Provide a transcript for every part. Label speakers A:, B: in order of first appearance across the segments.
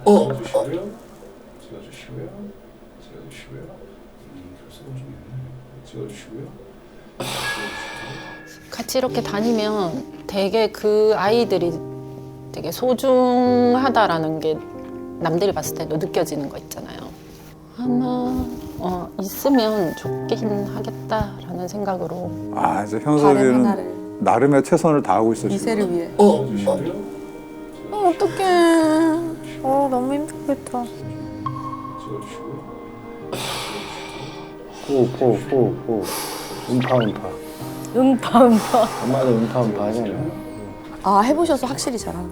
A: 찍어주시고요. 찍어주시고요. 찍어주시고요. 교수가 좀 있네. 찍어주시고요.
B: 같이 이렇게 다니면 되게 그 아이들이 되게 소중하다라는 게 남들이 봤을 때도 느껴지는 거 있잖아요. 하나 있으면 좋긴 하겠다라는 생각으로.
C: 아, 이제
D: 바램
C: 현섭이는
D: 하나를
C: 나름의 최선을 다하고 있어. 지금.
D: 미세를 위해.
A: 찍어주시고요.
D: 어떡해. 너무 힘들겠다.
A: 찍어주시고요.
E: 후. 음파. 엄마도 음파 하잖아요.
D: 아, 해보셔서 확실히 잘하는.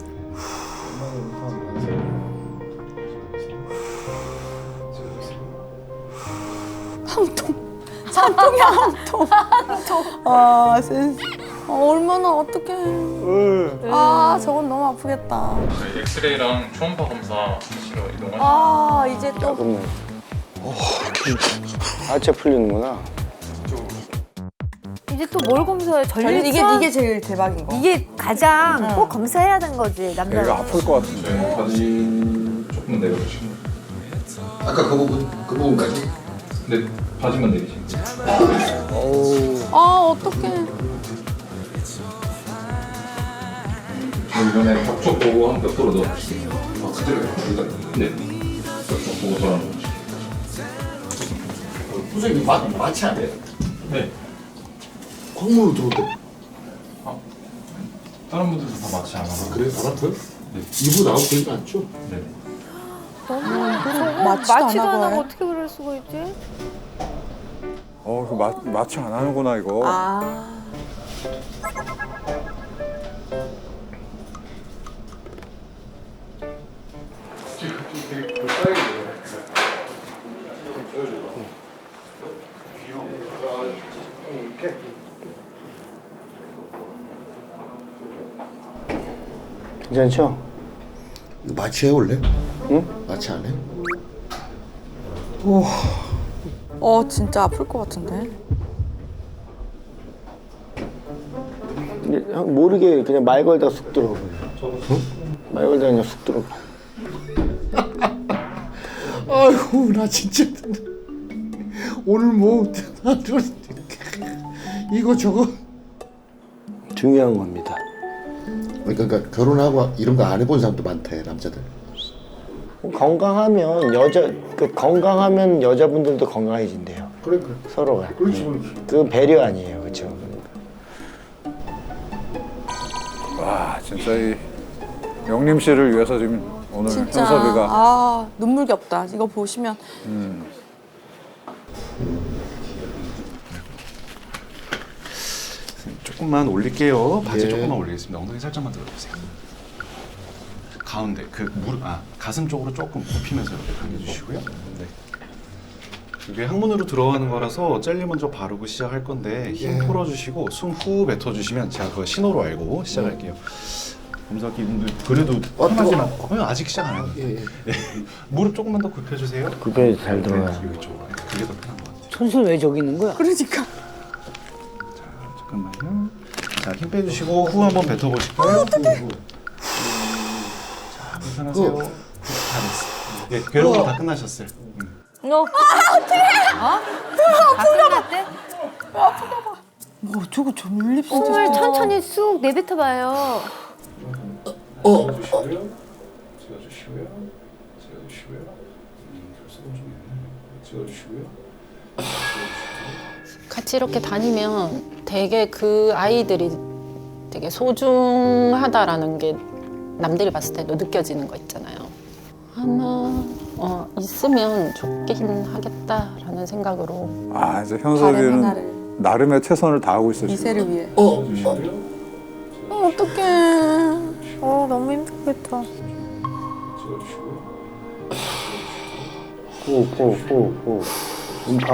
D: 한통이야, 한통. 아, 센스. 얼마나 어떡해. 아, 저건 너무 아프겠다.
F: 저희 엑스레이랑 초음파 검사 하시러 이동하시면
D: 아, 이제 또.
E: 그러면 하체 풀리는구나.
G: 이제 또 뭘 검사해? 전립선?
D: 이게 제일 대박인 거.
G: 이게 가장 꼭 검사해야 되는 거지, 남자.
C: 얘가 아플 것 같은데.
F: 네, 바지 조금 내려주시면
A: 아까 그 부분까지.
F: 네, 바지만 내리시면
D: 아, 어떡해.
F: 이번에 격쪽 보고 한 벽도로 넣어주시면 그대로 여기다 네, 격쪽 보고 돌아놓으시면
A: 선생님 마취 안 돼요?
F: 네,
A: 광문으로 들어올
F: 다른 분들도 다 마취 안 하고
A: 그래요? 안 아파요?
F: 네.
A: 이부 나오고 그러지 않죠?
F: 네.
D: 마취도 안
G: 마취도 안
D: 하고
G: 하고
D: 해?
G: 어떻게 그럴 수가 있지?
C: 마취 안 하는구나, 이거.
D: 아.
E: 괜찮죠?
A: 이거 마취해 원래?
E: 응?
A: 마취 안 해?
D: 진짜 아플 것 같은데.
E: 모르게 그냥 말 걸다 쑥 들어가. 말 걸다 그냥 쑥 들어가.
A: 아이고 나 진짜 오늘 뭐 이거 저거
E: 중요한 겁니다.
A: 그러니까 결혼하고 이런 거 안 해본 사람도 많대 남자들.
E: 건강하면 여자분들도 건강해진대요.
A: 그래.
E: 서로가.
A: 그렇지.
E: 그건 배려 아니에요, 그렇죠?
C: 와, 진짜 이 영림 씨를 위해서 지금 오늘
D: 진짜.
C: 현섭이가
D: 눈물겹다. 이거 보시면.
H: 조금만 올릴게요. 바지
A: 예.
H: 조금만 올리겠습니다. 엉덩이 살짝만 들어주세요. 가운데 그 가슴 쪽으로 조금 굽히면서 이렇게 당겨주시고요. 네. 이게 항문으로 들어가는 거라서 젤리 먼저 바르고 시작할 건데 힘
A: 예.
H: 풀어주시고 숨 후 뱉어주시면 제가 그거 신호로 알고 시작할게요. 검사기분들 그래도 편하지만 아직 시작 안 했는데
A: 예.
H: 무릎 조금만 더 굽혀주세요.
E: 그게 잘 들어가요.
H: 여기 쪽으로. 그게 더 편한 것 같아요.
E: 손수 왜 저기 있는 거야?
D: 그러니까.
H: 잠깐만요. 자, 힘 빼주시고 후 한번 뱉어보실까요? 자, 불편하세요. 다 됐어. 예, 괴로운 거 다 끝나셨어요.
G: 다 끝났대?
D: 뭐, 저거 전립
G: 숨을 천천히 쑥 내뱉어봐요.
A: 찍어주시고요. 찍어주시고요. 찍어주시고요. 교수가 좀 있네. 찍어주시고요.
B: 같이 이렇게 다니면 되게 그 아이들이 되게 소중하다라는 게 남들이 봤을 때도 느껴지는 거 있잖아요. 하나 있으면 좋긴 하겠다라는 생각으로.
C: 아, 이제
D: 바램
C: 현섭이는
D: 하나를
C: 나름의 최선을 다하고 있어. 지금.
D: 미세를 위해.
A: 찍어주시고요.
D: 어떡해. 너무 힘들겠다.
A: 찍어주시고요.
E: 후. 음파.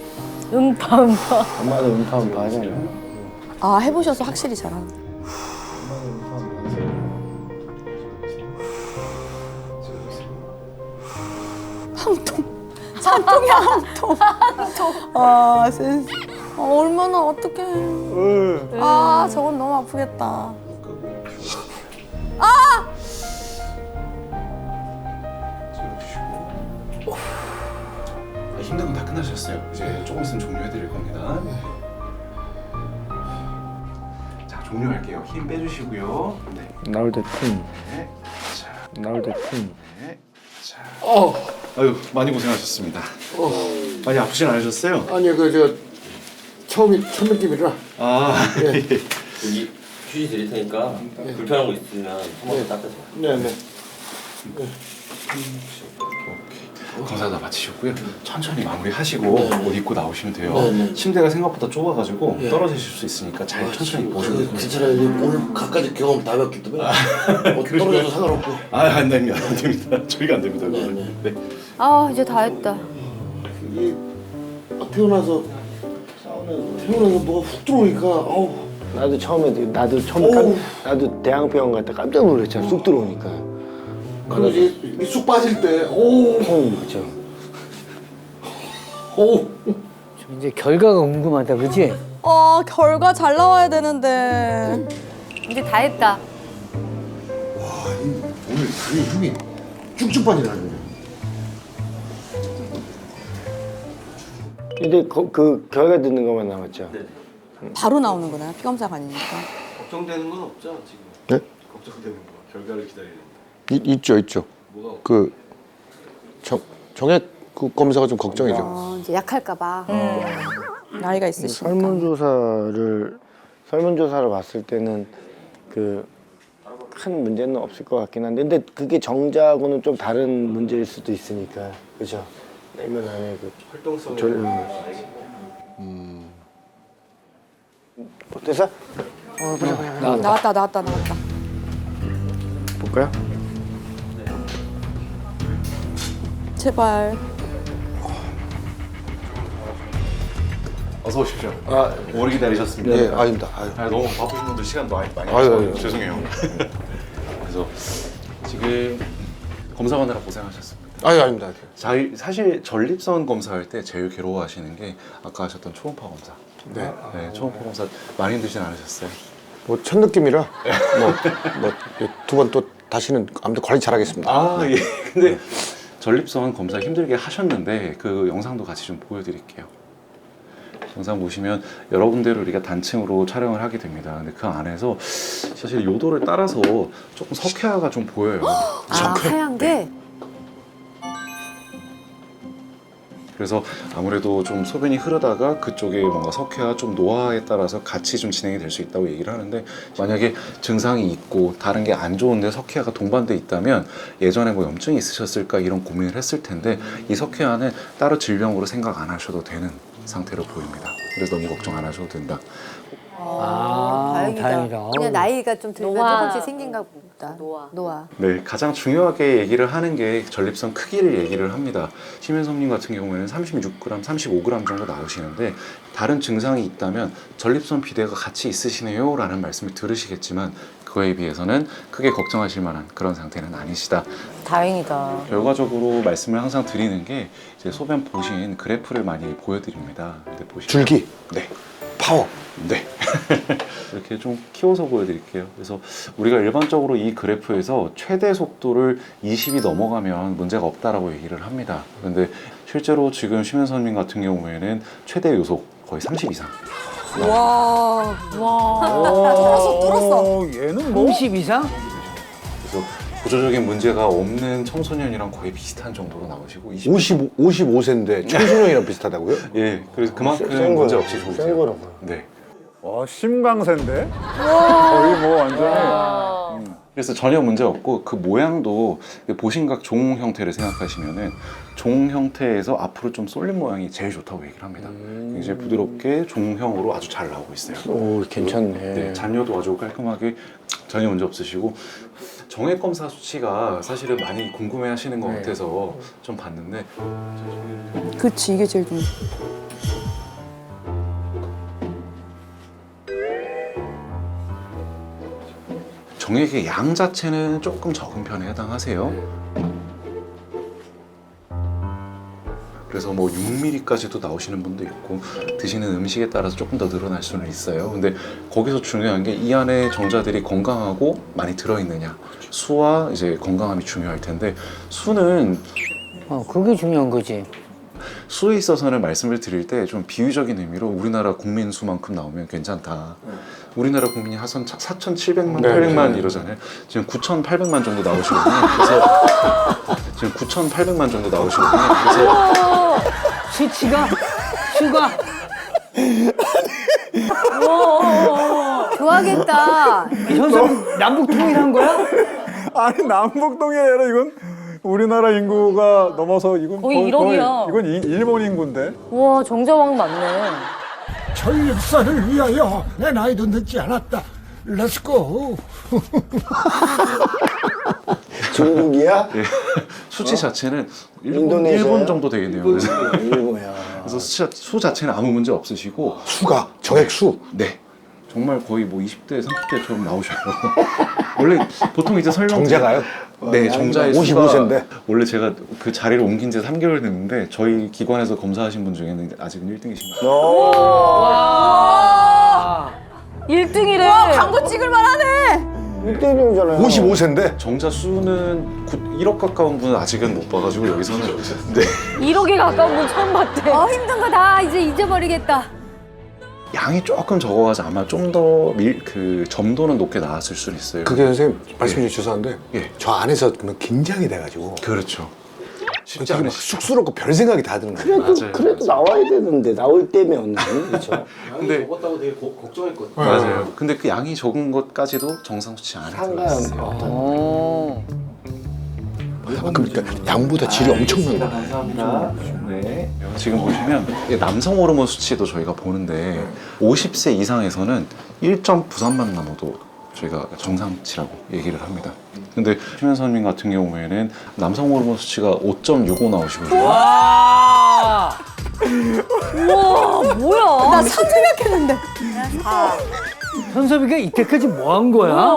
E: 엄마도 음파 하잖아요.
D: 아, 해보셔서 확실히 잘하는. 한통이야, 한통. 아, 센스. 얼마나 어떡해. 아, 저건 너무 아프겠다.
H: 힘든 건 다 끝나셨어요. 이제 조금 있으면 종료해드릴 겁니다. 자, 종료할게요. 힘 빼주시고요. 네.
E: 나올 때 쿵.
H: 네. 자,
E: 나올 때 쿵.
H: 네. 자. 아유, 많이 고생하셨습니다. 많이 아프진 않으셨어요?
A: 아니 그 첫 느낌이라.
H: 아, 예.
I: 여기 휴지 드릴 테니까 불편한 거 있으면 한번 닦으세요.
A: 네네.
H: 검사 다 마치셨고요. 천천히 마무리하시고 옷 입고 나오시면 돼요.
A: 네네.
H: 침대가 생각보다 좁아가지고 떨어지실 수 있으니까 잘 천천히 보시면 돼요.
A: 괜찮아요. 오늘 갖가지 경험 다 배웠기 때문에 떨어져도 상관없고.
H: 안 됩니다. 안 됩니다. 저희가 안 됩니다.
A: 네네.
H: 네.
G: 아 이제 다 했다.
A: 이게 태어나서 뭐가 훅 들어오니까
E: 나도 처음에
A: 어우.
E: 나도 대학병원 갔다 깜짝 놀랐잖아. 쑥 들어오니까.
A: 그래서 이게 쑥 빠질 때
E: 맞죠.
J: 이제 결과가 궁금하다, 그치?
D: 결과 잘 나와야 되는데.
G: 이제 다 했다.
A: 오늘 다리 힘이 쭉쭉 빠지라는
E: 근데 그 결과 듣는 것만 남았죠.
D: 바로 나오는 거나요? 피검사가 아니니까.
H: 걱정되는 건 없죠 지금?
A: 네?
H: 걱정되는 거 결과를 기다리는.
A: 있죠. 그 정액 그 검사가 좀 걱정이죠.
G: 이제 약할까봐.
D: 나이가 있으시니까.
E: 설문조사를 봤을 때는 그 큰 문제는 없을 것 같긴 한데, 근데 그게 정자하고는 좀 다른 문제일 수도 있으니까, 그렇죠? 내면 안에 그
H: 활동성.
E: 어때서?
D: 나왔다.
E: 볼까요?
D: 제발.
H: 어서 오십시오. 오래 기다리셨습니다.
A: 네, 아닙니다.
H: 너무 바쁘신 분들 시간도 많이
A: 아유,
H: 내서
A: 아유.
H: 죄송해요. 그래서 지금 검사하느라 고생하셨습니다.
A: 아닙니다.
H: 사실 전립선 검사할 때 제일 괴로워하시는 게 아까 하셨던 초음파 검사.
A: 네.
H: 네, 초음파 검사 많이 힘들진 않으셨어요?
A: 뭐 첫 느낌이라 뭐 두 번 또 다시는 아무튼 관리 잘하겠습니다.
H: 예. 근데 전립선 검사 힘들게 하셨는데 그 영상도 같이 좀 보여드릴게요. 영상 보시면 여러 군데로 우리가 단층으로 촬영을 하게 됩니다. 근데 그 안에서 사실 요도를 따라서 조금 석회화가 좀 보여요.
G: 하얀 게?
H: 그래서 아무래도 좀 소변이 흐르다가 그쪽에 뭔가 석회와 좀 노화에 따라서 같이 좀 진행이 될 수 있다고 얘기를 하는데, 만약에 증상이 있고 다른 게 안 좋은데 석회화가 동반돼 있다면 예전에 뭐 염증이 있으셨을까 이런 고민을 했을 텐데, 이 석회화는 따로 질병으로 생각 안 하셔도 되는 상태로 보입니다. 그래서 너무 걱정 안 하셔도 된다.
J: 다행이다.
G: 그냥 나이가 좀 들면
B: 노화.
G: 조금씩 생긴가 보다. 노화.
H: 네, 가장 중요하게 얘기를 하는 게 전립선 크기를 얘기를 합니다. 심현섭님 같은 경우에는 36g, 35g 정도 나오시는데, 다른 증상이 있다면 전립선 비대가 같이 있으시네요 라는 말씀을 들으시겠지만 그거에 비해서는 크게 걱정하실 만한 그런 상태는 아니시다.
B: 다행이다.
H: 결과적으로 말씀을 항상 드리는 게, 이제 소변 보신 그래프를 많이 보여드립니다. 근데 보시면
A: 줄기,
H: 네.
A: 파워.
H: 네. 이렇게 좀 키워서 보여드릴게요. 그래서 우리가 일반적으로 이 그래프에서 최대 속도를 20이 넘어가면 문제가 없다라고 얘기를 합니다. 그런데 실제로 지금 심현선님 같은 경우에는 최대 요속 거의 30 이상.
D: 와. 뚫었어.
C: 얘는 뭐?
J: 50 이상?
H: 그래서 구조적인 문제가 없는 청소년이랑 거의 비슷한 정도로 나오시고
A: 55세인데 청소년이랑 비슷하다고요?
H: 예, 그래서 그만큼
E: 센
H: 문제
E: 거예요.
H: 없이
E: 센
H: 좋으세요.
E: 거라고요.
H: 네.
C: 심강세인데? 거의 뭐 완전히.
H: 그래서 전혀 문제 없고, 그 모양도 보신각 종 형태를 생각하시면은 종 형태에서 앞으로 좀 쏠린 모양이 제일 좋다고 얘기를 합니다. 굉장히 부드럽게 종형으로 아주 잘 나오고 있어요.
E: 오, 괜찮네.
H: 네, 잔여도 아주 깔끔하게 전혀 문제 없으시고, 정액 검사 수치가 사실은 많이 궁금해하시는 것 같아서 좀 봤는데,
D: 그치, 이게 제일 좀.
H: 정액의 양 자체는 조금 적은 편에 해당하세요. 그래서 뭐 6mm까지도 나오시는 분도 있고, 드시는 음식에 따라서 조금 더 늘어날 수는 있어요. 근데 거기서 중요한 게 이 안에 정자들이 건강하고 많이 들어있느냐, 수와 이제 건강함이 중요할 텐데, 수는
J: 그게 중요한 거지.
H: 수에 있어서는 말씀을 드릴 때 좀 비유적인 의미로 우리나라 국민 수만큼 나오면 괜찮다. 우리나라 국민이 하선 4,700만,
A: 네,
H: 800만
A: 네.
H: 이러잖아요. 지금 9,800만 정도 나오시거든요. 그래서 지금 9,800만 정도 나오시거든요. 그래서
J: 수가
G: 좋아하겠다.
J: 현섭 남북 통일한 거야?
C: 아니 남북동이 아니라 이건 우리나라 인구가 넘어서 이건
K: 거의 1억이야.
C: 이건 일본 인구인데.
K: 우와 정자왕 맞네.
L: 전립선을 위하여 내 나이도 늦지 않았다. 렛츠고.
E: 중국이야?
H: 예. 수치 자체는
E: 인도네시아야?
H: 일본 정도 되겠네요. 그래서,
E: 일본이야.
H: 그래서 수 자체는 아무 문제 없으시고
A: 수가 정액수.
H: 네. 정말 거의 뭐 20대, 30대처럼 나오셔요. 원래 보통 이제 설명
A: 정자가요?
H: 네, 정자의
A: 55 세인데.
H: 원래 제가 그 자리를 옮긴 지 3개월 됐는데 저희 기관에서 검사하신 분 중에는 아직은 1등이신 거예요.
K: 와 1등이래. 와 광고 찍을 만하네.
E: 1등이잖아요.
A: 55세인데.
H: 정자 수는 1억 가까운 분은 아직은 못 봐가지고 여기서는 네.
K: 1억에 가까운 분 처음 봤대.
G: 힘든 거 다 이제 잊어버리겠다.
H: 양이 조금 적어가지고 아마 좀 더 그 점도는 높게 나왔을 수는 있어요.
A: 그게 선생님 말씀 좀 죄송한데
H: 예.
A: 저 안에서 그러면 긴장이 돼가지고
H: 그렇죠. 쉽지
A: 그게 막
H: 않으시죠.
A: 쑥스럽고 별 생각이 다 드는 거예요.
E: 그래도 나와야 되는데 나올 때면 그렇죠.
H: 근데
I: 적었다고 되게 걱정했거든요.
H: 맞아요. 근데 그 양이 적은 것까지도 정상 수치 안에 들어있어요.
A: 그러니까 양보다 질이 엄청난 거예요.
H: 감사합니다. 네. 지금 보시면 남성 호르몬 수치도 저희가 보는데 50세 이상에서는 1.93만 넘어도 저희가 정상치라고 얘기를 합니다. 근데 최면선님 같은 경우에는 남성 호르몬 수치가 5.65 나오시거든요.
K: 와. 우와 뭐야?
D: 나 3 생각했는데.
J: 현섭이가 이때까지 뭐 한 거야?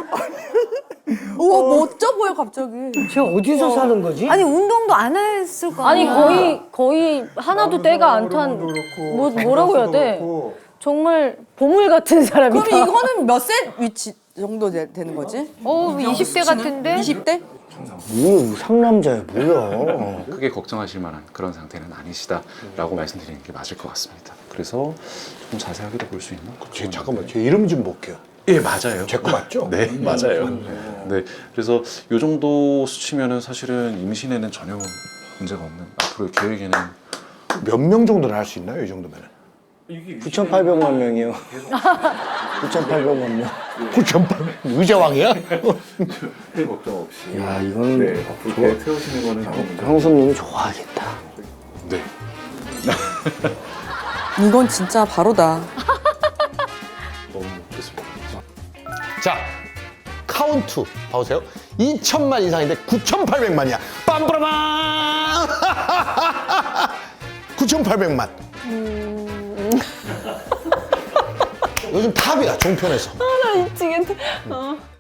D: 우와 멋져 보여 갑자기.
J: 쟤 어디서 사는 거지?
G: 아니 운동도 안 했을 거
K: 아니
G: 아니야.
K: 거의 하나도 때가 안 탄 뭐라고 해야 돼? 정말 보물 같은 사람이다.
D: 그럼 이거는 몇 세 위치 정도 되는 거지?
K: 20대 같은데?
D: 20대?
E: 뭐 상남자야 뭐야.
H: 크게 걱정하실 만한 그런 상태는 아니시다라고 말씀드리는 게 맞을 것 같습니다. 그래서 좀 자세하게도 볼 수 있나?
A: 잠깐만 제 이름 좀 볼게요.
H: 예, 맞아요.
A: 제 거 맞죠?
H: 네, 맞아요. 네, 그래서 이 정도 수치면은 사실은 임신에는 전혀 문제가 없는 앞으로의 계획에는
A: 몇 명 정도는 할 수 있나요? 이 정도면은?
E: 9,800만 명이요. 9,800만 명.
A: 9,800 의자왕이야?
H: 걱정 없이.
E: 야 이거는
H: 앞으로 계획 세우시는 거는
E: 형수님이 좋아하겠다.
H: 네.
D: 이건 진짜 바로다.
H: 너무 좋습니다.
A: 자, 카운트 봐보세요. 2,000만 이상인데 9,800만이야. 빰빠라밤! 9,800만. 요즘 탑이야, 종편에서.
B: 나 미치겠네.